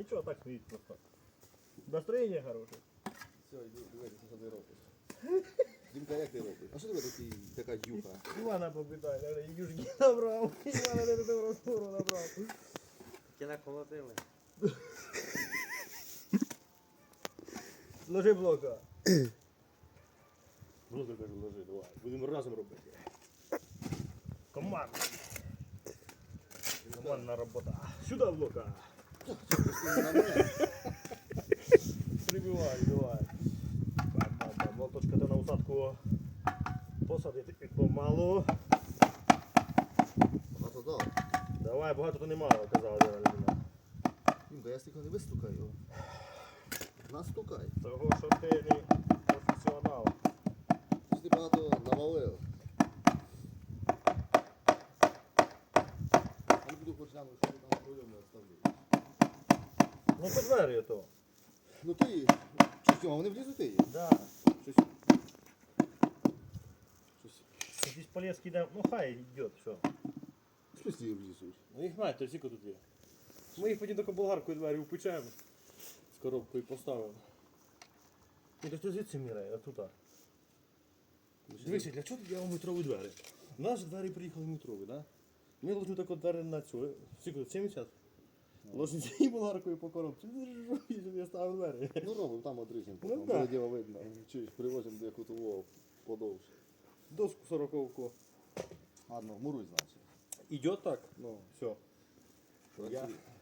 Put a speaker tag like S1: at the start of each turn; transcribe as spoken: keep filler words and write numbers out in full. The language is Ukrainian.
S1: нічого, так стоїть просто. Настроєння хороше.
S2: Все, йди, дивитися, що ти робиш. Дімка, як ти робиш? А що тебе такий, така юха?
S1: Івана попитай, я юшки набрав. Івана не до розтвору набрав.
S3: Ті наколотили.
S1: Ложи блока.
S2: Блока, кажу, ложи, давай. Будемо разом робити.
S1: Команда. Командна робота. Сюди блока. Прибивай, давай. Бам-бам-бам. Молоточка ти на усадку посадити помалу.
S2: Багато дав.
S1: Давай, багато то немало, казала Діна людина.
S2: Дімка, я стільки не вистукаю. Настукай.
S1: Того, що ти не професіонал.
S2: Що ти багато навалив. Я не буду хоч глянути, що ти там пройому оставляєш.
S1: Ну, по двері то.
S2: Ну ти, щось, а вони влізуть її?
S1: Да.
S2: Щось. Щось.
S1: Якийсь полезки йде, ну хай йде, все.
S2: Щось її влізуть.
S3: Ну їх знаєте, всі тут є. Ми їх потім таку болгаркою двері впечаємо з коробкою поставимо.
S1: Ну, то ти звідси міряє, отута. Дивіться, для чого я вам метрові двері? У нас же двері приїхали метрові, да? Ми ложимо таку двері на цю, скільки, сімдесят? Ложимо цією болгаркою по коробці, щоб я ставив двері.
S2: Ну робимо, там одріжемо,
S1: Ну,
S2: потім
S1: да.
S2: буде діло видно. Чуєш, привозимо до якого подовше.
S1: Доску сороковку.
S2: Ладно, муруй, значить.
S1: Идет так? Ну, все.
S2: Працює.
S1: Я